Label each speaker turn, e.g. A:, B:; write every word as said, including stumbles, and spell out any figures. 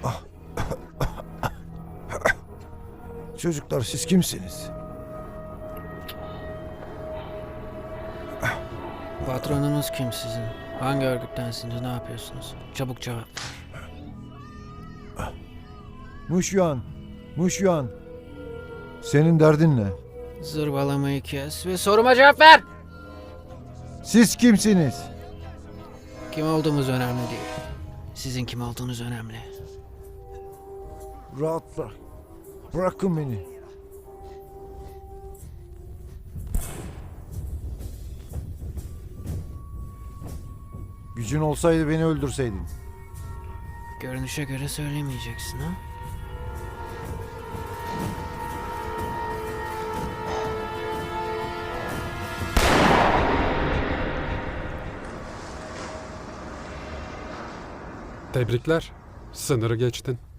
A: Çocuklar siz kimsiniz?
B: Patronunuz kim sizin? Hangi örgüttensiniz? Ne yapıyorsunuz? Çabuk cevap.
A: Muşyan, Muşyan. Senin derdin ne?
B: Zırvalamayı kes ve soruma cevap ver!
A: Siz kimsiniz?
B: Kim olduğumuz önemli değil. Sizin kim olduğunuz önemli.
A: Rahat bırak. Bırakın beni. Gücün olsaydı beni öldürseydin.
B: Görünüşe göre söylemeyeceksin ha?
C: Tebrikler. Sınırı geçtin.